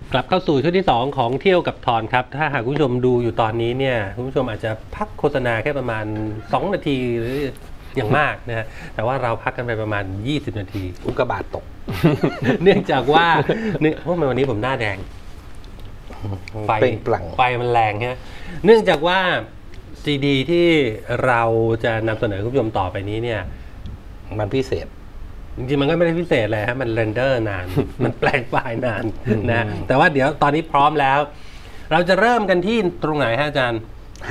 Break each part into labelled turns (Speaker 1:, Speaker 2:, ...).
Speaker 1: กลับเข้าสู่ช่วงที่2ของเที่ยวกับทอนครับถ้าหากคุณผู้ชมดูอยู่ตอนนี้เนี่ยคุณผู้ชมอาจจะพักโฆษณาแค่ประมาณ2นาทีหรืออย่างมากนะฮะแต่ว่าเราพักกันไปประมาณ20นาที
Speaker 2: อุกกาบาตตก
Speaker 1: เนื่องจากว่าเนี่ยเพราะวันนี้ผมหน้าแดงไฟมันแรงฮะเนื่องจากว่าซีดีที่เราจะนำเสนอคุณผู้ชมต่อไปนี้เนี่ย
Speaker 2: มันพิเศษ
Speaker 1: จริงๆมันก็ไม่ได้พิเศษเลยฮะมันเรนเดอร์นาน มันแปลงไฟล์นานนะแต่ว่าเดี๋ยวตอนนี้พร้อมแล้ว เราจะเริ่มกันที่ตรงไหนฮะอาจารย์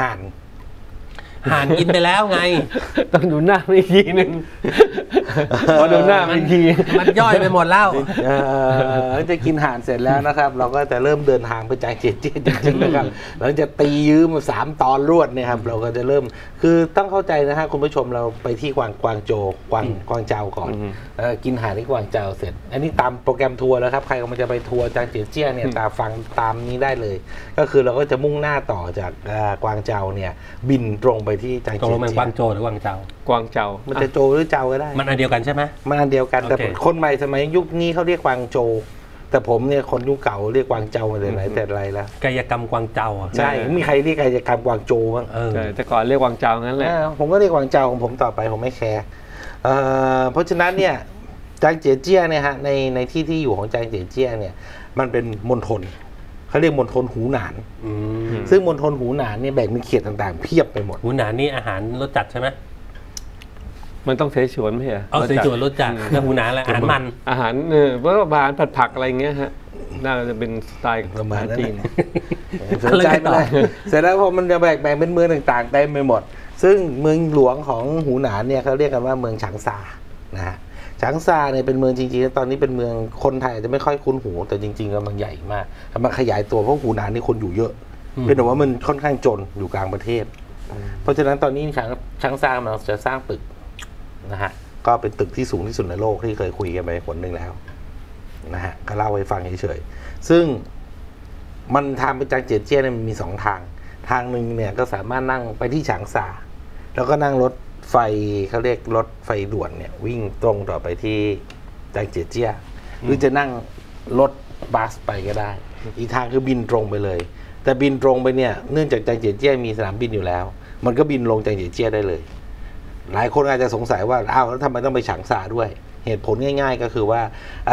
Speaker 1: ห่านกินไปแล้วไง
Speaker 3: ต้องดูหน้าอีกทีนึงพอดูหน้าอีกที
Speaker 1: มันย่อยไปหมดแล้ว
Speaker 2: จะกินห่านเสร็จแล้วนะครับเราก็จะเริ่มเดินทางไปจ่ายเจ็ดจริงๆนะครับหลังจากตียื้อมา3 ตอนรวดเนี่ยครับเราก็จะเริ่มคือต้องเข้าใจนะฮะคุณผู้ชมเราไปที่กวางโจวกวางเจาก่อนกินห่านที่กวางเจาเสร็จอันนี้ตามโปรแกรมทัวร์แล้วครับใครก็มันจะไปทัวร์จางเจียเจี้ยเนี่ยตามนี้ได้เลยก็คือเราก็จะมุ่งหน้าต่อจากกวางเจาเนี่ยบินตรงไปที่จางเจีย
Speaker 1: ตรงมันกวางโจหรือกวางเจาก
Speaker 3: วางเจา
Speaker 2: มันจะโจหรือเจ้าก็ได้
Speaker 1: มันอันเดียวกันใช่ไหม
Speaker 2: มันอันเดียวกันแต่คนใหม่สมัยยุคนี้เขาเรียกกวางโจแต่ผมเนี่ยคนยุคเก่าเรียกกวางเจามาแต่ไหนแต่ไรแล้ว
Speaker 1: กายกรรมกวางเจา
Speaker 2: ใช่มีใครเรียกกายกรรมกวางโจบ้าง
Speaker 3: แต่ก่อนเรียกกวางเจางั้นแหละ
Speaker 2: ผมก็เรียกกวางเจาของผมต่อไปผมไม่แคร์เพราะฉะนั้นเนี่ยจางเจียเจี้ยเนี่ยฮะในที่อยู่ของจางเจียเจี้ยเนี่ยมันเป็นมณฑลเขาเรียกมณฑลหูหนานซึ่งมณฑลหูหนานเนี่ยแบ่งเป็นเขตต่างๆเพียบไปหมด
Speaker 1: หูหนานนี่อาหารรสจัดใช่ไหม
Speaker 3: มันต้องเสฉวนไม่ใช่
Speaker 1: เสฉวนรสจัดแล้วหูหนานอะไรอาหารมัน
Speaker 3: อาหารเพราะว่าอาหารผัดอะไรเงี้ยฮะน่าจะเป็นสไตล์
Speaker 2: ประมาณจีนสนใจไปเลยเสร็จแล้วพอมันจะแบ่งเป็นเมืองต่างๆเต็มไปหมดซึ่งเมืองหลวงของหูหนานเนี่ยเขาเรียกกันว่าเมืองฉางซานะฮะฉางซาเนี่ยเป็นเมืองจริงๆแล้วตอนนี้เป็นเมืองคนไทยจะไม่ค่อยคุ้นหูแต่จริงๆก็มันใหญ่มากมันขยายตัวเพราะหูหนานนี่คนอยู่เยอะเป็นแต่ว่ามันค่อนข้างจนอยู่กลางประเทศเพราะฉะนั้นตอนนี้ฉางซามันจะสร้างตึกนะฮะก็เป็นตึกที่สูงที่สุดในโลกที่เคยคุยกันไปคนหนึ่งแล้วนะฮะก็เล่าให้ฟังเฉยๆซึ่งมันทางไปจางเจียเจี้ยเนี่ยมันมี2ทางหนึ่งเนี่ยก็สามารถนั่งไปที่ฉางซาแล้วก็นั่งรถไฟเขาเรียกรถไฟด่วนเนี่ยวิ่งตรงต่อไปที่จางเจียเจี้ยหรือจะนั่งรถบัสไปก็ได้อีกทางคือบินตรงไปเลยแต่บินตรงไปเนี่ยเนื่องจากจางเจียเจี้ยมีสนามบินอยู่แล้วมันก็บินลงจางเจียเจี้ยได้เลยหลายคนอาจจะสงสัยว่าอ้าวแล้วทำไมต้องไปฉางซาด้วยเหตุผลง่ายๆก็คือว่า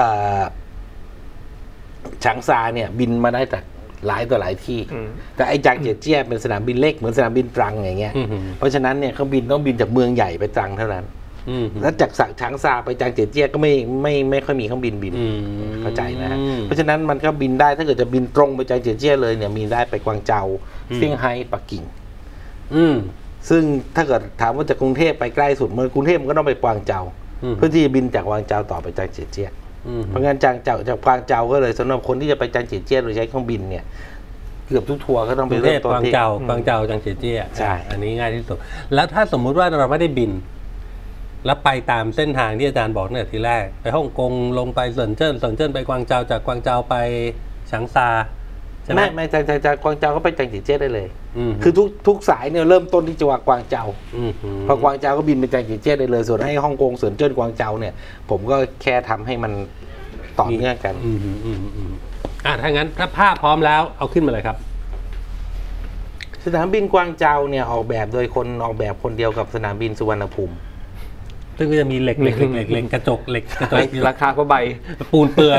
Speaker 2: ฉางซาเนี่ยบินมาได้จากหลายต่อหลายที่แต่ไอ้จางเจียเจี้ยเป็นสนามบินเล็กเหมือนสนามบินตรังอย่างเงี้ยเพราะฉะนั้นเนี่ยเขาบินต้องบินจากเมืองใหญ่ไปตรังเท่านั้นแล้วจากฉางซาไปจางเจียเจี้ยก็ไม่ค่อยมีเครื่องบินเข้าใจนะฮะเพราะฉะนั้นมันก็บินได้ถ้าเกิดจะบินตรงไปจางเจียเจี้ยเลยเนี่ยมีได้ไปกวางเจาเซี่ยงไฮ้ปักกิ่งซึ่งถ้าเกิดถามว่าจากกรุงเทพไปใกล้สุดเมืองกรุงเทพมันก็ต้องไปกวางเจาเพื่อที่จะบินจากกวางเจาต่อไปจางเจียเจี้ยเพราะงั้นจากกวางเจาก็เลยสำหรับคนที่จะไปจางเจียเจี้ยโดยใช้เครื่องบินเนี่ยเกือบทุกทัวร์ก็ต้องไปเริ่มต้นที่
Speaker 1: กวางเจาจางเจียเจี้ย
Speaker 2: ใช่
Speaker 1: อันนี้ง่ายที่สุดแล้วถ้าสมมุติว่าเราไม่ได้บินแล้วไปตามเส้นทางที่อาจารย์บอกเนี่ยทีแรกไปฮ่องกงลงไปเซินเจิ้นไปกวางเจาจากกวางเจาไปฉางซา
Speaker 2: ไม่จากกวางเจาก็ไปจางเจียเจี้ยได้เลยคือทุกสายเนี่ยเริ่มต้นที่จังหวัดกวางเจาพอกวางเจาก็บินไปจางเจียเจี้ยได้เลยส่วนให้ฮ่องกงเซินเจิ้นกวางเจาเนี่ยผมก็แค่ทำให้มันต่อเนื่องกัน
Speaker 1: ถ้างั้นถ้าภาพพร้อมแล้วเอาขึ้นมาเลยครับ
Speaker 2: สนามบินกวางเจาเนี่ยออกแบบโดยคนออกแบบคนเดียวกับสนามบินสุวรรณภูมิ
Speaker 1: ซึ่งก็จะมีเหล็กกระจก
Speaker 3: ราคาก็ใบ
Speaker 1: ปูนเปื่อย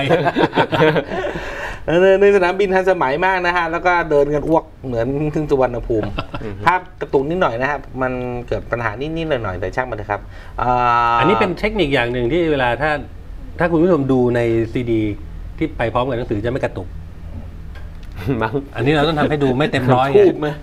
Speaker 2: ในสนามบินทันสมัยมากนะฮะแล้วก็เดินกันอ้วกเหมือนถึงสุวรรณภูมิภาพกระตุกนิดหน่อยนะครับมันเกิดปัญหานิดๆหน่อยๆแต่ช่างมันนะครับ
Speaker 1: อันนี้เป็นเทคนิคอย่างหนึ่งที่เวลาถ้าคุณผู้ชมดูในซีดีที่ไปพร้อมกับหนังสือจะไม่กระตุกอันนี้เราต้องทำให้ดูไม่เต็มร้อย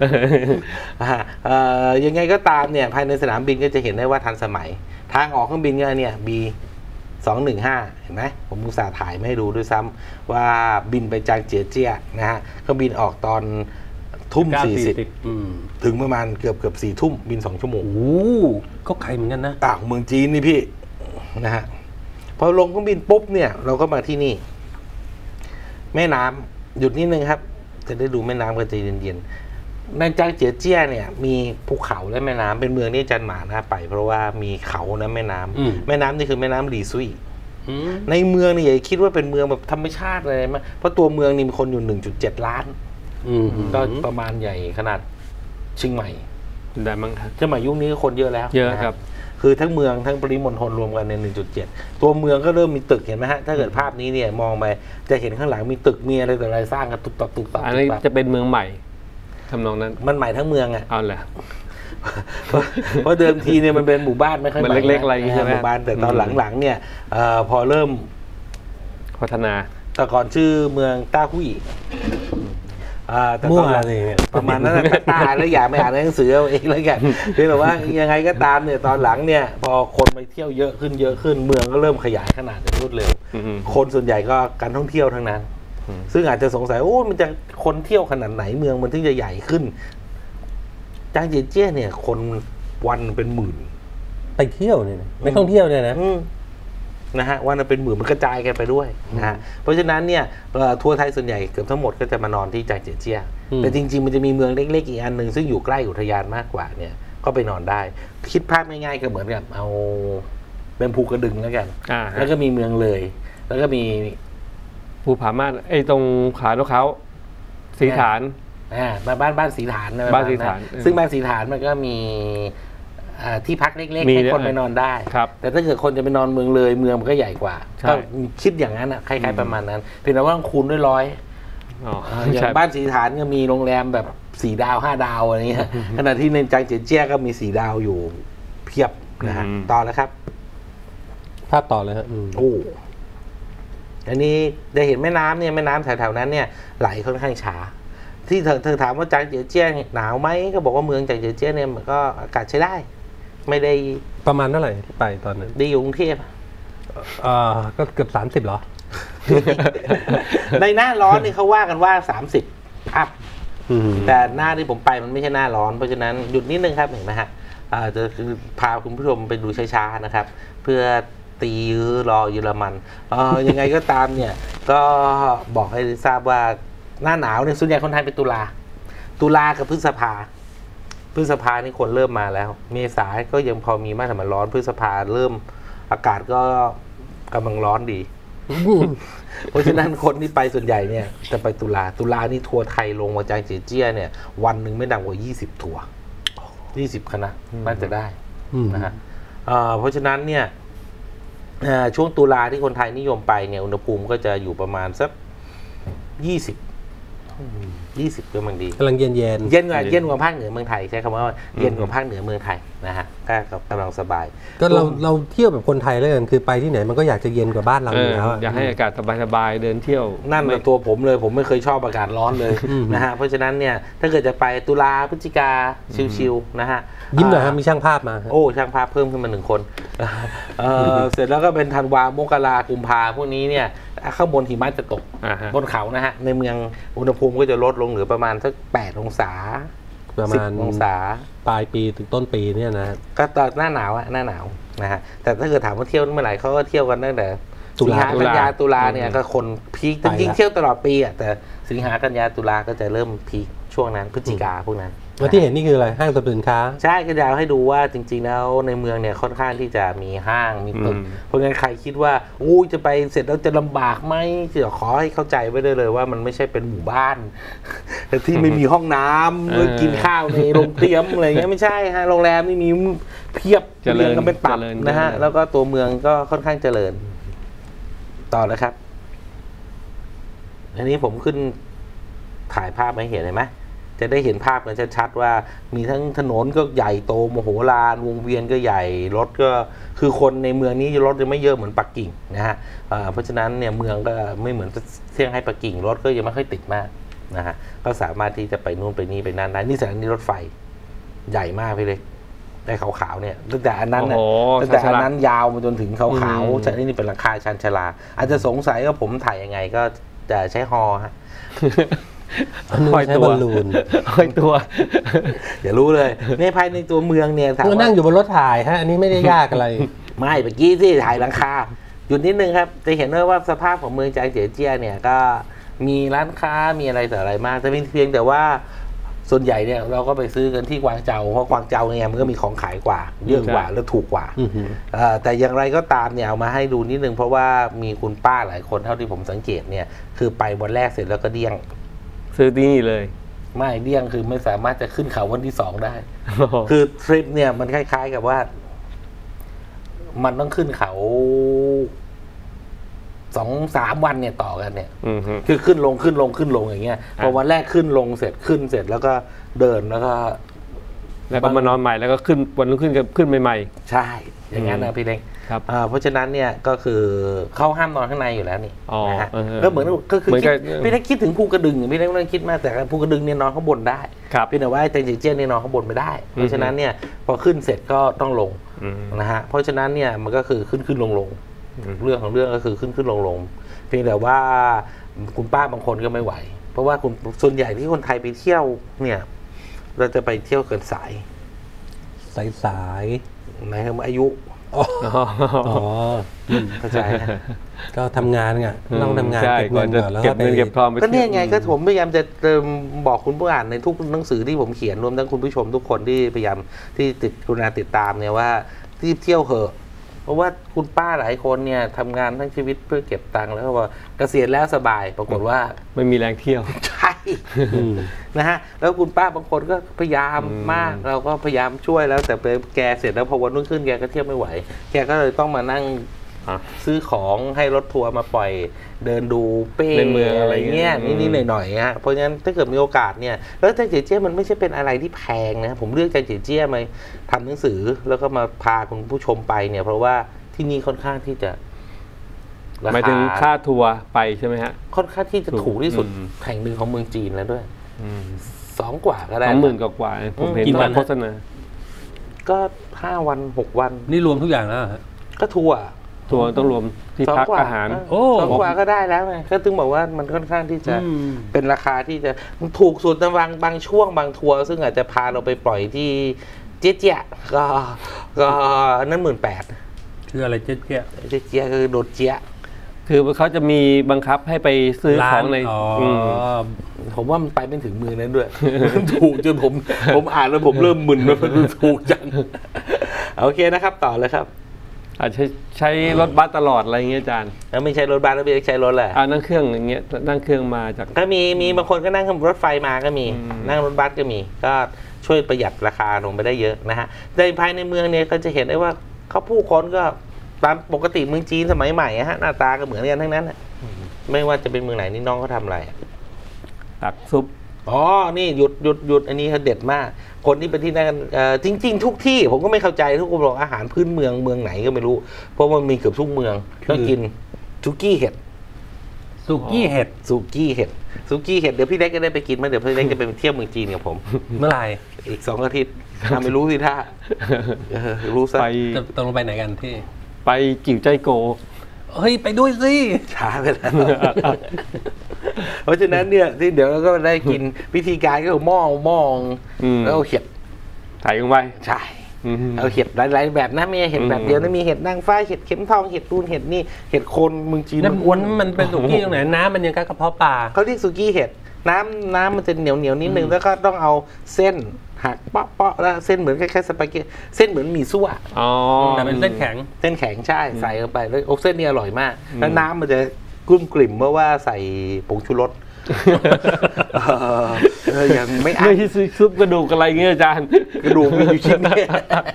Speaker 2: ยังไงก็ตามเนี่ยภายในสนามบินก็จะเห็นได้ว่าทันสมัยทางออกเครื่องบินก็เนี่ย B215 เห็นไหมผมอุตส่าห์ถ่ายไม่ให้ดูด้วยซ้ำว่าบินไปจางเจียเจี้ยนะฮะเครื่องบินออกตอน20:40ถึงประมาณเกือบ4 ทุ่มบิน2 ชั่วโมง
Speaker 1: ก็ไกลเหมือนกันนะ
Speaker 2: เมืองจีนนี่พี่นะฮะพอลงเครื่องบินปุ๊บเนี่ยเราก็มาที่นี่แม่น้ำหยุดนิดนึงครับจะได้ดูแม่น้ำกันใจเย็นๆในจางเจียเจี้ยเนี่ยมีภูเขาและแม่น้ำเป็นเมืองที่อาจารย์หมาน่าไปเพราะว่ามีเขาและแม่น้ำนี่คือแม่น้ำหลีซุยในเมืองนี่อย่าคิดว่าเป็นเมืองแบบธรรมชาติอะไรมั้ยเพราะตัวเมืองนี่มีคนอยู่ 1.7 ล้านก็ประมาณใหญ่ขนาดเชียงใหม่
Speaker 3: ได้มั้งครับ
Speaker 2: เชียงใหม่ยุคนี้คนเยอะแล้ว
Speaker 3: เยอะครับ
Speaker 2: คือทั้งเมืองทั้งปริมณฑลรวมกันใน 1.7 ตัวเมืองก็เริ่มมีตึกเห็นไหมฮะถ้าเกิดภาพนี้เนี่ยมองไปจะเห็นข้างหลังมีตึกมีอะไรแต่อะไรสร้างกันตุบตับตุบตับ
Speaker 3: อันนี้จะเป็นเมืองใหม่ทำนองนั้น
Speaker 2: มันใหม่ทั้งเมืองอ่ะ
Speaker 3: เอาแหละ
Speaker 2: เพราะเดิมทีเนี่ยมันเป็นหมู่บ้านไม่ค่อยใหม่
Speaker 3: เล็กๆอะไรใช่ไหม
Speaker 2: หมู่บ้านแต่ตอนหลังๆเนี่ยพอเริ่ม
Speaker 3: พัฒนา
Speaker 2: แต่ก่อนชื่อเมืองต้าหุ้ย
Speaker 1: แต่ตอนหลัง
Speaker 2: ประมาณนั้นตาแล้วอย่าไม่อ่านหนังสือเอาเองแล้วกันคือแบบว่ายังไงก็ตามเนี่ยตอนหลังเนี่ยพอคนไปเที่ยวเยอะขึ้นเมืองก็เริ่มขยายขนาดอย่างรวดเร็วคนส่วนใหญ่ก็การท่องเที่ยวทั้งนั้นซึ่งอาจจะสงสัยโอ้มันจะคนเที่ยวขนาดไหนเมืองมันถึงจะใหญ่ขึ้นจางเจียเจี้ยเนี่ยคนวันเป็นหมื่น
Speaker 1: ไปเที่ยวเนี่ยไม่ท่องเที่ยวเนี่ย
Speaker 2: นะฮะวันเป็นหมื่นมันกระจายกันไปด้วยนะฮะเพราะฉะนั้นเนี่ยทัวร์ไทยส่วนใหญ่เกือบทั้งหมดก็จะมานอนที่จางเจียเจี้ยแต่จริงๆมันจะมีเมืองเล็กๆอีกอันหนึ่งซึ่งอยู่ใกล้อุทยานมากกว่าเนี่ยก็ไปนอนได้คิดภาพง่ายๆก็เหมือนกับเอาเป็นภูกระดึงแล้วกันแล้วก็มีเมืองเลยแล้วก็มี
Speaker 3: ภูผาม่านไอ้ตรงขาโนเขาสีฐาน
Speaker 2: บ้านสีฐาน
Speaker 3: บ้านสีฐาน
Speaker 2: ซึ่งบ้านสีฐานมันก็มีที่พักเล็กๆให้คนไปนอนได้แต่ถ้าเกิดคนจะไปนอนเมืองเลยเมืองมันก็ใหญ่กว่าก็คิดอย่างนั้นอ่ะคล้ายๆประมาณนั้นเพียงแต่ว่าคูณด้วย100อย่างบ้านสีฐานก็มีโรงแรมแบบ4 ดาว5 ดาวอะไรเงี้ยขณะที่ในจางเจียเจี้ยก็มี4 ดาวอยู่เพียบนะฮะต่อแล้วครับ
Speaker 1: ภาพต่อเลยฮะ
Speaker 2: โอ้อันนี้ได้เห็นแม่น้ำเนี่ยแม่น้ำแถวๆนั้นเนี่ยไหลค่อนข้างช้าที่เธอถามว่าจางเจียเจี้ยหนาวไหมก็บอกว่าเมืองจางเจียเจี้ยเนี่ยมันก็อากาศใช้ได้ไม่ได้
Speaker 1: ประมาณเท่าไหร่ที่ไปตอนนั้น
Speaker 2: ดีอยู่กรุงเทพ
Speaker 1: ก็เกือบ30หรอ
Speaker 2: ในหน้าร้อนนี่เขาว่ากันว่า30อัพแต่หน้าที่ผมไปมันไม่ใช่หน้าร้อนเพราะฉะนั้นหยุดนิดนึงครับเห็นไหมฮะจะพาคุณผู้ชมไปดูช้าๆนะครับเพื่อตียื้อรอเยอรมันยังไงก็ตามเนี่ยก็บอกให้ทราบว่าหน้าหนาวเนี่ยส่วนใหญ่คนไทยเป็นตุลากับพฤษภานี่คนเริ่มมาแล้วเมษาก็ยังพอมีมากแต่มันร้อนพฤษภาเริ่มอากาศก็กำลังร้อนดี เพราะฉะนั้นคนที่ไปส่วนใหญ่เนี่ยจะไปตุลานี่ทัวร์ไทยลงมาจางเจียเจี้ยเนี่ยวันหนึ่งไม่ต่ำกว่า20 ทัวร์20 คณะน่าจะได้นะฮะเพราะฉะนั้นเนี่ยช่วงตุลาที่คนไทยนิยมไปเนี่ยอุณหภูมิก็จะอยู่ประมาณสัก20ก็มันดี
Speaker 1: กำลังเย็น
Speaker 2: กว่าภาคเหนือเมืองไทยใช้คำว่าเย็นกว่าภาคเหนือเมืองไทยนะฮะก็กำลังสบาย
Speaker 1: ก็เราเที่ยวแบบคนไทยเลยคือไปที่ไหนมันก็อยากจะเย็นกว่าบ้านเราอยู่แล้ว
Speaker 3: อยากให้อากาศสบายๆเดินเที่ยว
Speaker 2: นั่นเป็นตัวผมเลยผมไม่เคยชอบอากาศร้อนเลยนะฮะเพราะฉะนั้นเนี่ยถ้าเกิดจะไปตุลาพฤศจิกาชิลๆนะฮะ
Speaker 1: ยิ้มหน่อยครับมีช่างภาพมา
Speaker 2: โอ้ช่างภาพเพิ่มขึ้นมา1 คนเสร็จแล้วก็เป็นธันวามกรากุมภาพวกนี้เนี่ยข้างบนหิมะจะตกบนเขานะฮะในเมืองอุณหภูมิก็จะลดลงเหลือประมาณสัก8 องศา
Speaker 1: ประมาณ
Speaker 2: 10 องศา
Speaker 1: ปลายปีถึงต้นปีเนี่ยนะ
Speaker 2: ก็ตอนหน้าหนาวนะฮะแต่ถ้าเกิดถามว่าเที่ยวเมื่อไหร่เขาก็เที่ยวกันตั้งแต่สิงหากันยาตุลาเนี่ยก็คนพีคจริงๆเที่ยวตลอดปีอ่ะแต่สิงหากันยาตุลาก็จะเริ่มพีคช่วงนั้นพฤศจิกาพวกนั้น
Speaker 1: แล้วที่เห็นนี่คืออะไรห้างสรรพสินค้า
Speaker 2: ใช่ก็จะให้ดูว่าจริงๆแล้วในเมืองเนี่ยค่อนข้างที่จะมีห้างมีตึกเพราะงั้นใครคิดว่าอู้จะไปเสร็จแล้วจะลำบากไหมจะขอให้เข้าใจไว้ได้เลยว่ามันไม่ใช่เป็นหมู่บ้านที่ไม่มีห้องน้ำกินข้าวในโรงเตรียมอะไรเงี้ยไม่ใช่ฮะโรงแรมนี่มีเพียบเรียงกันเป็นตับนะฮะแล้วก็ตัวเมืองก็ค่อนข้างเจริญต่อเลยครับอันนี้ผมขึ้นถ่ายภาพมาเห็นไหมจะได้เห็นภาพกันชัดๆว่ามีทั้งถนนก็ใหญ่โตมโหฬารวงเวียนก็ใหญ่รถก็คือคนในเมืองนี้รถจะไม่เยอะเหมือนปักกิ่งนะฮะเพราะฉะนั้นเนี่ยเมืองก็ไม่เหมือนเซี่ยงไฮ้ปักกิ่งรถก็ยังไม่ค่อยติดมากนะฮะก็สามารถที่จะไปนู่นไปนี่ไปนั่นได้นี่สถานีรถไฟใหญ่มากพี่เลยได้ขาวๆเนี่ยตั้งแต่อันนั้นยาวมาจนถึงขาวๆจากนี่เป็นหลังคาชันชลาอาจจะสงสัยว่าผมถ่ายยังไงก็จะใช้ฮอฮะ
Speaker 1: ห้อยตัว
Speaker 2: อย่ารู้เลยในภายในตัวเมืองเนี่ย
Speaker 1: เรานั่งอยู่บนรถถ่ายฮะอันนี้ไม่ได้ยากอะไร
Speaker 2: ไม่เมื่อกี้ที่ถ่ายหลังคาหยุดนิดนึงครับจะเห็นว่าสภาพของเมืองจางเจียเจี้ยเนี่ยก็มีร้านค้ามีอะไรแต่อะไรมากแต่เพียงแต่ว่าส่วนใหญ่เนี่ยเราก็ไปซื้อกันที่กวางเจาเพราะกวางเจาเนี่ยมันก็มีของขายกว่าเยอะกว่าและถูกกว่าแต่อย่างไรก็ตามเนี่ยเอามาให้ดูนิดนึงเพราะว่ามีคุณป้าหลายคนเท่าที่ผมสังเกตเนี่ยคือไปวันแรกเสร็จแล้วก็เดี้ยง
Speaker 3: ซื้อที่นี่เลย
Speaker 2: ไม่เดี้ยงคือไม่สามารถจะขึ้นเขาวันที่2ได้คือทริปเนี่ยมันคล้ายๆกับว่ามันต้องขึ้นเขา2-3 วันเนี่ยต่อกันเนี่ยคือขึ้นลงอย่างเงี้ยพอวันแรกขึ้นเสร็จแล้วก็เดินแล้วก็
Speaker 3: มานอนใหม่แล้วก็ขึ้นวันรุ่งขึ้นใหม่
Speaker 2: ๆใช่อย่างนั้นนะพี่เล้งเพราะฉะนั้นเนี่ยก็คือเขาห้ามนอนข้างในอยู่แล้วนี่นะฮะก็เหมือนก็คือพี่เล้งคิดถึงภูกระดึงพี่เล้งไม่ต้องคิดมากแต่ภูกระดึงเนี่ยนอนข้างบนได้เพียงแต่ว่าแตงจีเจี้ยนเนี่ยนอนข้างบนไม่ได้เพราะฉะนั้นเนี่ยพอขึ้นเสร็จก็ต้องลงนะฮะเพราะฉะนั้นเนี่ยมันก็คือขึ้นลงเรื่องของเรื่องก็คือขึ้นลงเพียงแต่ว่าคุณป้าบางคนก็ไม่ไหวเพราะว่าส่วนใหญ่ที่คนไทยไปเที่ยวเนี่ยเราจะไปเที่ยวเกินสายในอายุเข้าใจ
Speaker 1: ก็ทำงานไงต้องทำงานเก็บเงินก่อนแล้ว
Speaker 3: เก็บเงินเก็บทอง
Speaker 2: ก็เนี่ยไงก็ผมพยายามจะบอกคุณผู้อ่านในทุกหนังสือที่ผมเขียนรวมทั้งคุณผู้ชมทุกคนที่พยายามที่กรุณาติดตามเนี่ยว่ารีบเที่ยวเหอะเพราะว่าคุณป้าหลายคนเนี่ยทำงานทั้งชีวิตเพื่อเก็บตังค์แล้วว่าเกษียณแล้วสบายปรากฏว่า
Speaker 3: ไม่มีแรงเที่ยว
Speaker 2: ใช่นะฮะแล้วคุณป้าบางคนก็พยายามมากเราก็พยายามช่วยแล้วแต่ไปแกเสร็จแล้วพอวันรุ่งขึ้นแกก็เที่ยวไม่ไหวแกก็เลยต้องมานั่งซื้อของให้รถทัวร์มาปล่อยเดินดูเป้อะไรเงี้ยนิดๆหน่อยๆฮะเพราะฉะนั้นถ้าเกิดมีโอกาสเนี่ยแล้วแจงเจี๋ยเจี้ยมันไม่ใช่เป็นอะไรที่แพงนะผมเลือกแจงเจี๋ยเจี้ยมาทำหนังสือแล้วก็มาพาคุณผู้ชมไปเนี่ยเพราะว่าที่นี่ค่อนข้างที่จะ
Speaker 3: หมายถึงค่าทัวร์ไปใช่ไหมฮะ
Speaker 2: ค่อนข้างที่จะถูกที่สุดแห่งหนึ่งของเมืองจีนแล้วด้วย2 กว่าก็ได้
Speaker 3: 20,000 กว่าผมเห็นในโฆษณา
Speaker 2: ก็5 วัน6 วัน
Speaker 1: นี่รวมทุกอย่างแล้วฮะ
Speaker 2: ก็ทัวร์
Speaker 3: ต้องรวมที่พักอาหาร
Speaker 2: 2 กว่าก็ได้แล้วไงก็ถึงบอกว่ามันค่อนข้างที่จะเป็นราคาที่จะถูกสุดในบางช่วงบางทัวร์ซึ่งอาจจะพาเราไปปล่อยที่เจี๊ยก็นั่น18,000
Speaker 1: คืออะไรเจี๊
Speaker 2: ยคือโดดเจี๊ย
Speaker 3: คือเขาจะมีบังคับให้ไปซื้อของใน
Speaker 2: ผมว่ามันไปไม่ถึงมือนั้นด้วยถูกจนผมอ่านแล้วผมเริ่มมึนว่ามันถูกจังโอเคนะครับต่อเลยครับ
Speaker 3: อาจจะใช้รถบัสตลอดอะไรเงี้ยอาจารย์
Speaker 2: แล้วไม่ใช่รถบัสแล้วใช้รถแหละ
Speaker 3: นั่งเครื่องอย่างเงี้ยนั่งเครื่องมาจาก
Speaker 2: ก็มีบางคนก็นั่งรถไฟมาก็มีนั่งรถบัสก็มีก็ช่วยประหยัดราคาลงไปได้เยอะนะฮะในภายในเมืองเนี่ยก็จะเห็นได้ว่าเขาผู้คนก็ตามปกติเมืองจีนสมัยใหม่ฮะหน้าตาก็เหมือนกันทั้งนั้นไม่ว่าจะเป็นเมืองไหนนี่น้องเขาทำอะไร
Speaker 3: ตักซุป
Speaker 2: นี่หยุดอันนี้เขาเด็ดมากคนที่ไปที่นั่นจริงๆทุกที่ผมก็ไม่เข้าใจทุกคนบอกอาหารพื้นเมืองไหนก็ไม่รู้เพราะมันมีเกือบทุกเมืองต้องกินซุกี้เห็ดเดี๋ยวพี่เล็กก็ได้ไปกินเดี๋ยวพี่เล็กจะไปเที่ยวเมืองจีนกับผม
Speaker 1: เมื่อไหร่
Speaker 2: อีก2 อาทิตย์ไม่รู้สิท่ารู้ซะ
Speaker 1: ต้องลงไปไหนกันที่
Speaker 3: ไปกิ่วใจโก
Speaker 1: เฮ้ยไปด้วยสิ
Speaker 2: ช้าไปแล้วเพราะฉะนั้นเนี่ยที่เดี๋ยวเราก็ได้กินวิธีการก็คือมองแล้วเห็ด
Speaker 3: ถ่ายลงไป
Speaker 2: ใช่เอาเห็ดหลายๆแบบนะไม่ใช่เห็ดแบบเดียวนะมีเห็ดนางฟ้าเห็ดเข็มทองเห็ดตูนเห็ดนี่เห็ดโคนเมืองจีน
Speaker 1: น้ำอ้วนมันเป็นสุกี้ตรงไหนน้ำมันยังกระเพาะปลา
Speaker 2: เขาเรียกสุกี้เห็ดน้ำมันจะเหนียวนิดนึงแล้วก็ต้องเอาเส้นหักเปาะแล้วเส้นเหมือนคล้ายๆสปาเกตตี้เส้นเหมือนหมี่ซั่ว
Speaker 1: แต่เป็นเส้นแข็
Speaker 2: งใช่ใส่เข้าไปแล้วเส้นนี้อร่อยมากแล้วน้ำมันจะกลุ่มกลิ่มเมื่อว่าใส่ผงชูรสยังไม่
Speaker 3: ใช่ซุปกระดูกอะไรเงี้ยอาจารย์
Speaker 2: กระดูกมีอยู่ชิ้นนี้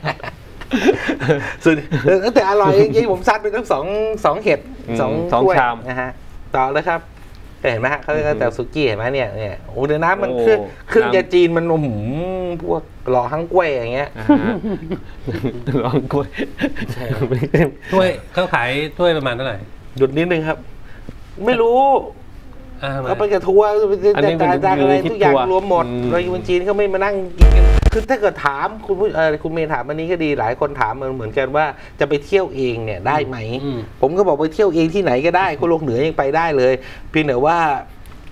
Speaker 2: ส่วนแต่อร่อยจริงๆผมซัดไปทั้ง2 เห็ด2
Speaker 3: ชาม
Speaker 2: นะฮะต่อเลยครับเห็นไหมฮะเขาเรียกแต่ซุกี้เห็นไหมเนี่ยโอ้เดี๋ยวน้ำมันเครื่องยาจีนมันพวกหล่อฮังก้วยอย่างเงี้ย
Speaker 3: หล่อฮังก้วย
Speaker 1: ถ้วยเขาขายถ้วยประมาณเท่าไหร่
Speaker 2: หยุดนิดนึงครับไม่รู้เขาไปกับทัวร์จานอะไรทุกอย่างรวมหมดเราอยู่จีนเขาไม่มานั่งกินกันคือถ้าเกิดถามคุณเมย์ถามอันนี้ก็ดีหลายคนถามเหมือนกันว่าจะไปเที่ยวเองเนี่ยได้ไหมผมก็บอกไปเที่ยวเองที่ไหนก็ได้คนโลกเหนือยังไปได้เลยเพียงแต่ว่า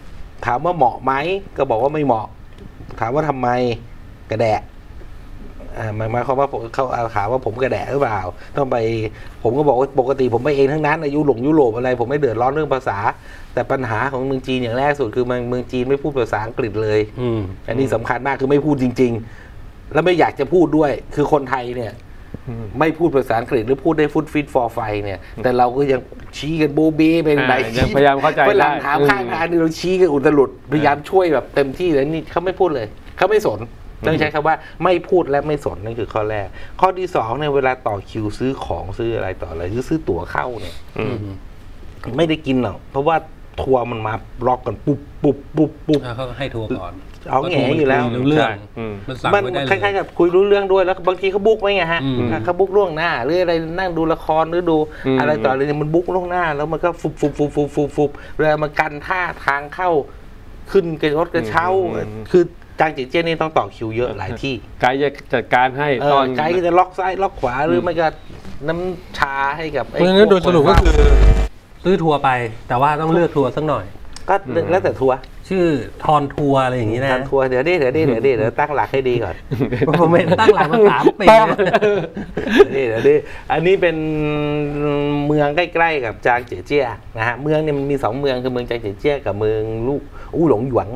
Speaker 2: ถามว่าเหมาะไหมก็บอกว่าไม่เหมาะถามว่าทำไมกระแดะหมายความว่าเขาข่าวว่าผมกระแดะหรือเปล่าต้องไปผมก็บอกว่าปกติผมไปเองทั้งนั้นยุโรปอะไรผมไม่เดือดร้อนเรื่องภาษาแต่ปัญหาของเมืองจีนอย่างแรกสุดคือเมืองจีนไม่พูดภาษาอังกฤษเลยอันนี้สำคัญมากคือไม่พูดจริงๆแล้วไม่อยากจะพูดด้วยคือคนไทยเนี่ยไม่พูดภาษาอังกฤษหรือพูดได้ฟุตฟิตฟอร์ไฟเนี่ยแต่เราก็ยังชี้กันโบเบ้เป็นไหน
Speaker 3: พยายามเข้าใจได้
Speaker 2: เวลาถามข้างทางนี่เราชี้กันอุตลุดพยายามช่วยแบบเต็มที่เลยนี่เขาไม่พูดเลยเขาไม่สนต้องใช้คำว่าไม่พูดและไม่สนนั่นคือข้อแรกข้อที่สองเนี่ยเวลาต่อคิวซื้อของซื้ออะไรต่ออะไรหรือซื้อตั๋วเข้าเนี่ยไม่ได้กินหรอกเพราะว่าทัวร์มันมาล็อกกันปุ๊บ
Speaker 1: เขาให้ทัวร์ก่อน
Speaker 2: เอาแง่อยู่แล้ว
Speaker 1: มัน
Speaker 2: คล้ายๆกับคุยรู้เรื่องด้วยแล้วบางทีเขาบุ๊กไว้ไงฮะเขาบุ๊กล่วงหน้าหรืออะไรนั่งดูละครหรือดูอะไรต่ออะไรเนี่ยมันบุ๊กล่วงหน้าแล้วมันก็ฟุบเวลามันกันท่าทางเข้าขึ้นกระรถกระเช้าคือจางเจี้ยนี่ต้องต่อคิวเยอะหลายที่
Speaker 3: ไกด์จะจัดการให้
Speaker 2: ตอนไกด์จะล็อกซ้ายล็อกขวาหรือไม่ก็น้ำชาให้กับ
Speaker 1: เพราะฉะนั้นโดยสรุปก็คือซื้อทัวร์ไปแต่ว่าต้องเลือกทัวร์สักหน่อย
Speaker 2: ก็แล้วแต่ทัวร์
Speaker 1: ชื่อทอนทัวร์อะไรอย่างนี้นะ
Speaker 2: ทอนทัวร์เดี๋ยวตั้งหลักให้ดีก่อน
Speaker 1: ผมไม่ตั้งหลักมา3 ปี
Speaker 2: เดี๋ยวอันนี้เป็นเมืองใกล้ๆกับจางเจี้ยนะฮะเมืองเนี่ยมันมี2เมืองคือเมืองจางเจี้ยกับเมืองอู้หลงหยวน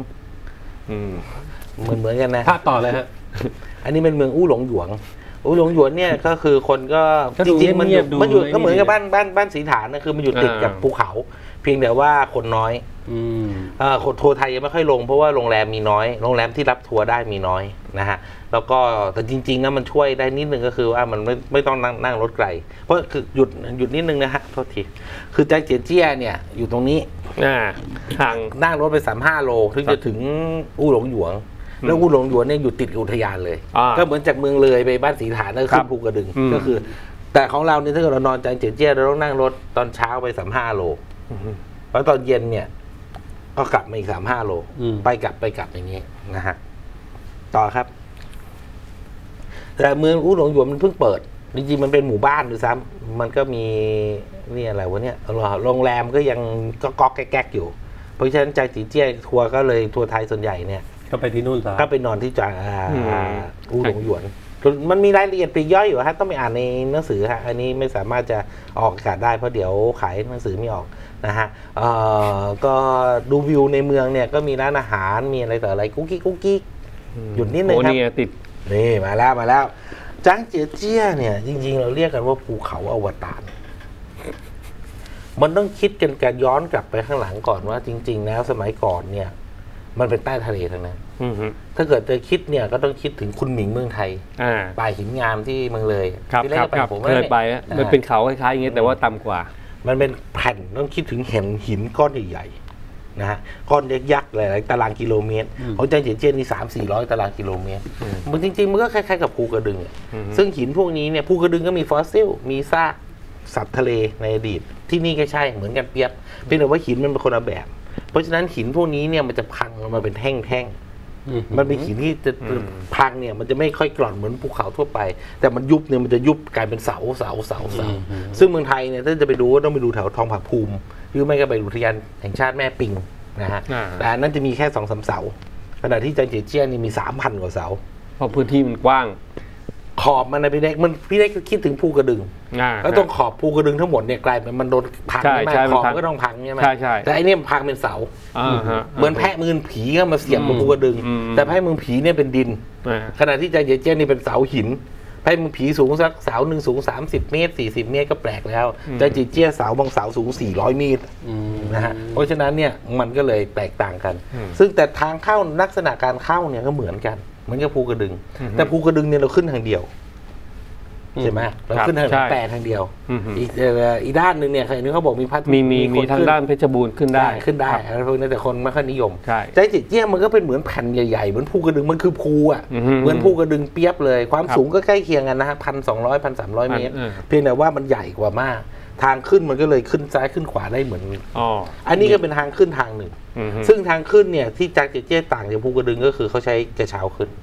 Speaker 2: เหมือนกันนะ
Speaker 1: ภาพต่อเลยฮะ
Speaker 2: อันนี้เป็นเมืองอู้หลงหยวนเนี่ยก็คือคนก็จริงๆมันอยู่ก็เหมือนกับบ้านสีฐานนะคือมันอยู่ติดกับภูเขาเพียงแต่ว่าคนน้อยทัวร์ไทยยังไม่ค่อยลงเพราะว่าโรงแรมมีน้อยโรงแรมที่รับทัวร์ได้มีน้อยนะฮะแล้วก็แต่จริงๆนะมันช่วยได้นิดนึงก็คือว่ามันไม่ต้องนั่งรถไกลเพราะคือหยุดนิดนึงนะฮะโทษทีคือจางเจี้ยเนี่ยอยู่ตรงนี้
Speaker 3: ทาง
Speaker 2: นั่งรถไป35 โลถึงจะถึงอู้หลงหยวนแล้วอู้หลงหยวนเนี่ยอยู่ติดอุทยานเลยก็เหมือนจากเมืองเลยไปบ้านสีฐานแล้วขึ้นภูกระดึงก็คือแต่ของเราเนี่ยถ้าเกิดเรานอนจางเจี้ยเราต้องนั่งรถตอนเช้าไป35 โลแล้วตอนเย็นเนี่ยก็กลับมาอีก35 โลไปกลับอย่างนี้นะฮะต่อครับแต่เมืองอู้หลงหยวนมันเพิ่งเปิดจริงๆมันเป็นหมู่บ้านด้วยซ้ำมันก็มีนี่อะไรวะเนี่ยโรงแรมก็ยังก็แก๊กอยู่เพราะฉะนั้นจางเจี้ยทัวร์ก็เลยทัวร์ไทยส่วนใหญ่เนี่ย
Speaker 1: ก็ไปที่นู่นซะ
Speaker 2: ก็ไปนอนที่จางอู้หลงหยวนมันมีรายละเอียดปลีกย่อยอยู่ฮะต้องไปอ่านในหนังสือฮะอันนี้ไม่สามารถจะออกอากาศได้เพราะเดี๋ยวขายหนังสือไม่ออกนะฮะก็ดูวิวในเมืองเนี่ยก็มีร้านอาหารมีอะไรต่ออะไรกุ๊กกิ๊กหยุดนิดนึงครับ
Speaker 3: ติด
Speaker 2: นี่มาแล้วจางเจี้ยเนี่ยจริงๆเราเรียกกันว่าภูเขาอวตารมันต้องคิดกันการย้อนกลับไปข้างหลังก่อนว่าจริงๆแล้วสมัยก่อนเนี่ยมันเป็นใต้ทะเลทั้งนั้นถ้าเกิดจะคิดเนี่ยก็ต้องคิดถึงคุณหมิงเมืองไทยป่าหินงามที่เมืองเลย
Speaker 3: ครับผมเคยไปมันเป็นเขาคล้ายๆอย่างเงี้ยแต่ว่าต่ำกว่า
Speaker 2: มันเป็นแผ่นต้องคิดถึงหินก้อนใหญ่ๆนะฮะก้อนยักษ์หลายๆตารางกิโลเมตรของจางเจี้ยนี่300-400 ตารางกิโลเมตรมันจริงๆมันก็คล้ายๆกับภูกระดึงซึ่งหินพวกนี้เนี่ยภูกระดึงก็มีฟอสซิลมีซากสัตว์ทะเลในอดีตที่นี่ก็ใช่เหมือนกันเปียบเพียงแต่ว่าหินมันเป็นคนละแบบเพราะฉะนั้นหินพวกนี้เนี่ยมันจะพังมาเป็นแท่งๆมันเป็นหินที่จะพังเนี่ยมันจะไม่ค่อยกร่อนเหมือนภูเขาทั่วไปแต่มันยุบเนี่ยมันจะยุบกลายเป็นเสาซึ่งเมืองไทยเนี่ยถ้าจะไปดูก็ต้องไปดูแถวทองผาภูมิหรือไม่ก็ไปอุทยานแห่งชาติแม่ปิงนะฮะแต่อันนั้นจะมีแค่ 2-3 เสาขณะที่จางเจี้ยนี่มี 3,000 กว่าเสา
Speaker 3: เพราะพื้นที่มันกว้าง
Speaker 2: ขอบมันนะพี่เล็กคิดถึงภูกระดึงแล้วตรงขอบภูกระดึงทั้งหมดเนี่ยกลายเป็นมันโดนพังใช่ไหมขอบก็ต้องพังใช่ไหมแต่อันนี้พังเป็นเสาเหมือนแพะมือผีก็มาเสียบกับภูกระดึงแต่แพะมือผีเนี่ยเป็นดินขณะที่จางเจี้ยนี่เป็นเสาหินแพะมือผีสูงสักเสาหนึ่งสูง30 เมตร40 เมตรก็แปลกแล้วจางเจี้ยเสาบางเสาสูง400 เมตรนะฮะเพราะฉะนั้นเนี่ยมันก็เลยแตกต่างกันซึ่งแต่ทางเข้าลักษณะการเข้าเนี่ยก็เหมือนกันเหมือนกับภูกระดึงแต่ภูกระดึงเนี่ยเราขึ้นทางเดียวใช่ไหมเราขึ้นทางแปดทางเดียวอีกด้านหนึ่งเนี่ยใครนึกเขาบอกมีพัด
Speaker 3: มีทางด้านเพชรบูรณ์ขึ้นได้
Speaker 2: อะไรพวกนี้แต่คนไม่ค่อยนิยมจางเจี้ยมันก็เป็นเหมือนแผ่นใหญ่ๆเหมือนภูกระดึงมันคือภูอ่ะเหมือนภูกระดึงเปียบเลยความสูงก็ใกล้เคียงกันนะฮะ1,200-1,300 เมตรเพียงแต่ว่ามันใหญ่กว่ามากทางขึ้นมันก็เลยขึ้นซ้ายขึ้นขวาได้เหมือนอันนี้ก็เป็นทางขึ้นทางหนึ่งซึ่งทางขึ้นเนี่ยที่จางเจี้ยต่างจากภูกระดึงก็คือเขาใช้กระเช้าขึ้น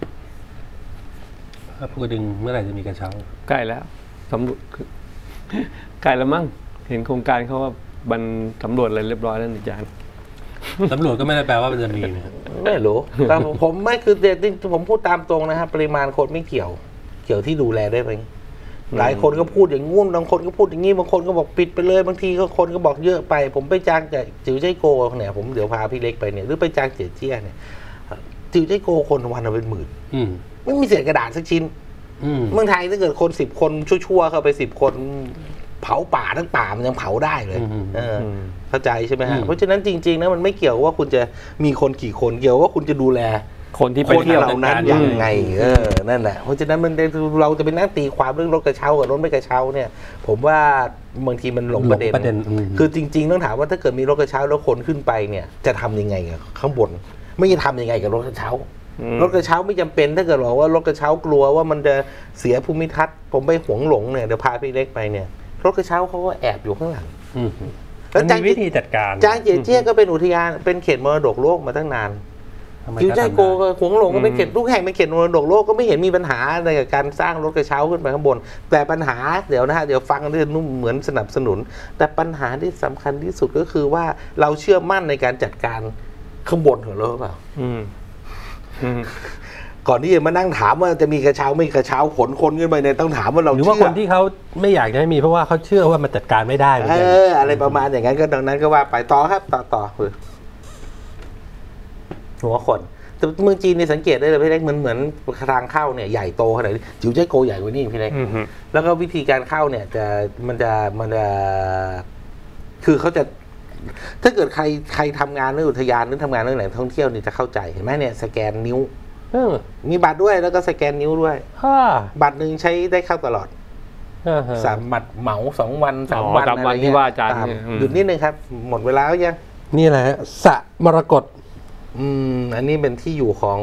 Speaker 1: ภูกระดึงเมื่อไหร่จะมีกระเช้า
Speaker 3: ใกล้แล้วสำรวจใกล้แล้วมั้งเห็นโครงการเขาว่าบันสำรวจอะไรเรียบร้อยแล้วอาจารย์
Speaker 1: สำรวจก็ไม่ได้แปลว่ามันจะมีนะ
Speaker 2: ไม่รู้แต่ผมไม่คือเด็ดผมพูดตามตรงนะครับปริมาณคนไม่เกี่ยวเกี่ยวที่ดูแลได้ไหมหลายคนก็พูดอย่างงู้นบางคนก็พูดอย่างนี้บางคนก็บอกปิดไปเลยบางทีก็คนก็บอกเยอะไปผมไปจ้างแต่จิ๋วใจโกเนี่ยผมเดี๋ยวพาพี่เล็กไปเนี่ยหรือไปจ้างเจี๋ยเจี้ยเนี่ยจิ๋วใจโกคนวันละเป็นหมื่นไม่มีเศษกระดาษสักชิ้นเมืองไทยถ้าเกิดคน10 คนชั่วๆเข้าไป10 คนเผาป่าทั้งป่ามันยังเผาได้เลยเข้าใจใช่ไหมฮะเพราะฉะนั้นจริงๆนะมันไม่เกี่ยวว่าคุณจะมีคนกี่คนเกี่ยวว่าคุณจะดูแล
Speaker 3: คนที่ไปเที่ยว
Speaker 2: เหล่านั้นยังไงนั่นแหละเพราะฉะนั้นมันเราจะเป็นนั่งตีความเรื่องรถกระเช้ากับรถไม่กระเช้าเนี่ยผมว่าบางทีมันหลงประเด็นคือจริงๆต้องถามว่าถ้าเกิดมีรถกระเช้าแล้วคนขึ้นไปเนี่ยจะทำยังไงกับข้างบนไม่จะทำยังไงกับรถกระเช้ารถกระเช้าไม่จำเป็นถ้าเกิดบอกว่ารถกระเช้ากลัวว่ามันจะเสียภูมิทัศน์ผมไปหวงหลงเนี่ยเดี๋ยวพาพี่เล็กไปเนี่ยรถกระเช้าเขาก็แอบอยู่ข้างหลัง
Speaker 1: แล้วมีวิธีจัดการ
Speaker 2: จางเจี๋ยเจี้ยก็เป็นอุทยานเป็นเขตมรดกโลกมาตั้งนานจิ๋วใจโกก็หวงหลงก็เป็นเขตทุกแห่งเป็นเขตมรดกโลกก็ไม่เห็นมีปัญหาอะไรกับการสร้างรถกระเช้าขึ้นไปข้างบนแต่ปัญหาเดี๋ยวนะฮะเดี๋ยวฟังเรื่องนุ่มเหมือนสนับสนุนแต่ปัญหาที่สำคัญที่สุดก็คือว่าเราเชื่อมั่นในการจัดการข้างบนของเราหรือเปล่าก่อนที่จะมานั่งถามว่าจะมีกระเช้าไม่กระเช้าขนคนขึ้นไปเนี่ยต้องถามว่าเรา
Speaker 1: หรือว่าคนที่เขาไม่อยากจะให้มีเพราะว่าเขาเชื่อว่ามันจัดการไม่ได้
Speaker 2: อะไรประมาณอย่างนั้นก็ดังนั้นก็ว่าไปต่อครับต่อหัวคนแต่เมืองจีนเนี่ยสังเกตได้เลยพี่เล็กเหมือนทางเข้าเนี่ยใหญ่โตขนาดนี้จิ๋วใจโกใหญ่กว่านี้พี่เล็กแล้วก็วิธีการเข้าเนี่ยมันจะคือเขาจะถ้าเกิดใครทำงานเรื่องอุทยานหรือทำงานเรื่องแหล่งท่องเที่ยวนี่จะเข้าใจเห็นไหมเนี่ยสแกนนิ้วมีบัตรด้วยแล้วก็สแกนนิ้วด้วยบัตรหนึ่งใช้ได้เข้าตลอด3 บัตรเหมา2 วัน3 วัน
Speaker 3: อะไรที่ว่าอาจารย์
Speaker 2: หยุดนิดนึงครับหมดเวลาแล้วยัง
Speaker 1: นี่แหละสระมรกต
Speaker 2: อันนี้เป็นที่อยู่ของ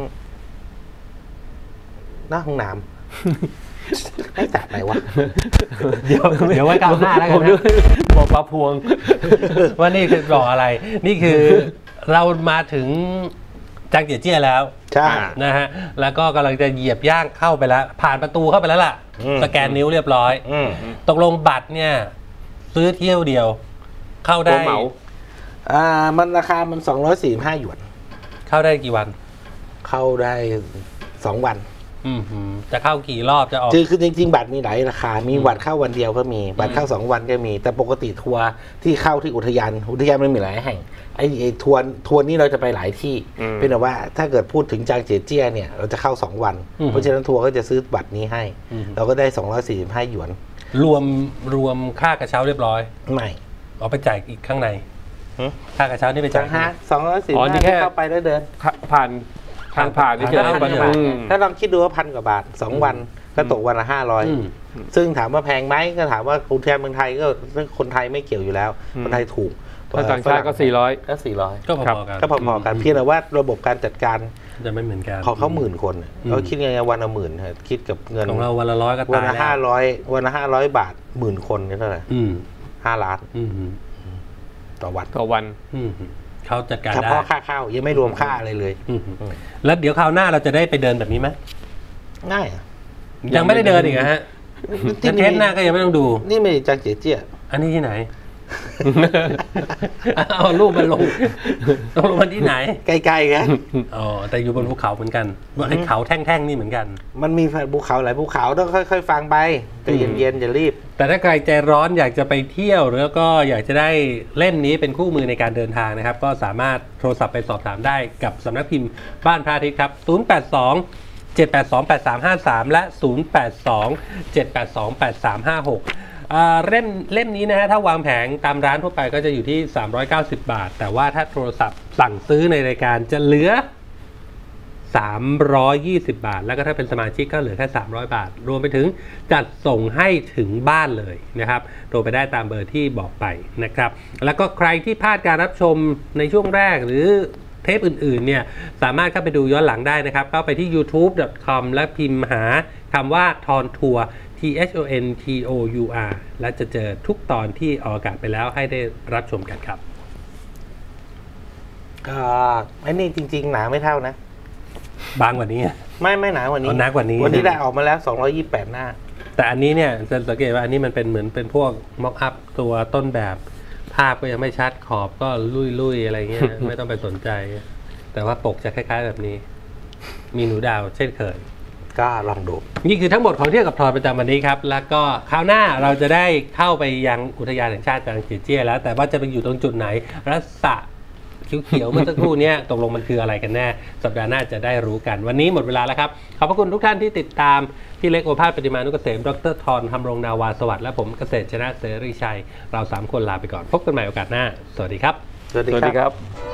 Speaker 2: หน้าห้องน้ำให้จัดไหนวะ
Speaker 1: เดี๋ยวไว้กลางหน้าแล้วกันนะ
Speaker 3: บอกปลาพวง
Speaker 1: ว่านี่คือบอกอะไรนี่คือเรามาถึงจางเจี๋ยเจี้ยแล้ว
Speaker 2: ใช่
Speaker 1: นะฮะแล้วก็กำลังจะเหยียบย่างเข้าไปแล้วผ่านประตูเข้าไปแล้วล่ะสแกนนิ้วเรียบร้อยตกลงบัตรเนี่ยซื้อเที่ยวเดียวเข้าได้
Speaker 3: เหมา
Speaker 2: มันราคามัน245 หยวน
Speaker 1: เข้าได้กี่วัน
Speaker 2: เข้าได้2 วัน
Speaker 1: จะเข้ากี่รอบจะออก
Speaker 2: คือจริงๆบัตรมีหลายราคามีบัตรเข้าวันเดียวก็มีบัตรเข้า2 วันก็มีแต่ปกติทัวร์ที่เข้าที่อุทยานมันมีหลายแห่งไอ้ทัวร์นี้เราจะไปหลายที่เป็นแต่ว่าถ้าเกิดพูดถึงจางเจี๋ยเจี้ยเนี่ยเราจะเข้า2 วันเพราะฉะนั้นทัวร์ก็จะซื้อบัตรนี้ให้เราก็ได้245 หยวน
Speaker 1: รวมค่ากระเช้าเรียบร้อย
Speaker 2: ไม่
Speaker 1: เอาไปจ่ายอีกข้างในค่ากระเช้านี่ไปจ่าย
Speaker 2: 245เข้าไปแล้วเดิน
Speaker 3: ผ่านทางผ่านที่จะ
Speaker 2: ถ้าลองคิดดูว่า1,000 กว่าบาท2 วันก็ตกวันละ500ซึ่งถามว่าแพงไหมก็ถามว่าอุทยานเมืองไทยก็คนไทยไม่เกี่ยวอยู่แล้วคนไทยถูก
Speaker 3: ต่างชาติก็400
Speaker 2: ก็พอๆกันเพียงแต่ว่าระบบการจัดการ
Speaker 1: จะไม่เหมือนกัน
Speaker 2: ของเขา10,000 คนเขาคิดยังไงวันละ10,000คิดกับเงิน
Speaker 1: ของเราวันละ100ก็ตาย
Speaker 2: วันละ500 บาท10,000 คนนี่เท่าไหร่5 ล้านต่อ
Speaker 3: วัน
Speaker 1: เขาจัดการได้
Speaker 2: เฉพาะค่าข้าวยังไม่รวมค่าอะไรเลย
Speaker 1: แล้วเดี๋ยวคราวหน้าเราจะได้ไปเดินแบบนี้ไหม
Speaker 2: ง่าย
Speaker 1: ยังไม่ได้เดินอีกฮะเทปหน้าก็ยังไม่ต้องดู
Speaker 2: นี่ไม่จางเจี๋ยเจี้ย
Speaker 1: อันนี้ที่ไหนเอารูปมันลงมันที่ไหน
Speaker 2: ใกล้ๆกัน
Speaker 1: อ๋อแต่อยู่บนภูเขาเหมือนกันไอ้เขาแท่งๆนี่เหมือนกัน
Speaker 2: มันมีภูเขาหลายภูเขาต้องค่อยๆฟังไปใจเย็นๆอย่ารีบ
Speaker 1: แต่ถ้าใครใจร้อนอยากจะไปเที่ยวแล้วก็อยากจะได้เล่มนี้เป็นคู่มือในการเดินทางนะครับก็สามารถโทรศัพท์ไปสอบถามได้กับสำนักพิมพ์บ้านพระอาทิตย์ครับ082-782-8353และ082-782-8356เล่มนี้นะฮะถ้าวางแผงตามร้านทั่วไปก็จะอยู่ที่390 บาทแต่ว่าถ้าโทรศัพท์สั่งซื้อในรายการจะเหลือ320 บาทแล้วก็ถ้าเป็นสมาชิกก็เหลือแค่300 บาทรวมไปถึงจัดส่งให้ถึงบ้านเลยนะครับโทรไปได้ตามเบอร์ที่บอกไปนะครับแล้วก็ใครที่พลาดการรับชมในช่วงแรกหรือเทปอื่นๆเนี่ยสามารถเข้าไปดูย้อนหลังได้นะครับเข้าไปที่ youtube.com และพิมพ์หาคำว่าทอนทัวร์THONTOUR และจะเจอทุกตอนที่ออกอากาศไปแล้วให้ได้รับชมกันครับ
Speaker 2: ก็ไอ้นี่จริงๆหนาไม่เท่านะ
Speaker 1: บางกว่านี้
Speaker 2: ไม่หนากว่านี้
Speaker 1: หนากว่านี้
Speaker 2: วันนี้ได้ออกมาแล้ว228 หน้า
Speaker 1: แต่อันนี้เนี่ยจะสังเกตว่าอันนี้มันเป็นเหมือนเป็นพวกม็อกอัพตัวต้นแบบภาพก็ยังไม่ชัดขอบก็ลุยๆอะไรเงี้ย ไม่ต้องไปสนใจแต่ว่าปกจะคล้ายๆแบบนี้มีหนูดาวเช่นเคย
Speaker 2: กก็ลองดู
Speaker 1: นี่คือทั้งหมดของเที่ยวกับทอยประจำวันนี้ครับแล้วก็คราวหน้าเราจะได้เข้าไปยังอุทยานแห่งชาติจางเจียเจี้ยแล้วแต่ว่าจะไปอยู่ตรงจุดไหนรัศเขียวๆเมื่อสักครู่นี้ตกลงมันคืออะไรกันแน่สัปดาห์หน้าจะได้รู้กันวันนี้หมดเวลาแล้วครับขอบพระคุณทุกท่านที่ติดตามพี่เล็กโอภาสปฏิมานุกเกษมดร.ธร ธำรงนาวาสวัสดิ์และผมเกษตรชนะเสรีชัยเรา3 คนลาไปก่อนพบกันใหม่โอกาสหน้าสวัสดีครับ
Speaker 2: สวัสดีครับ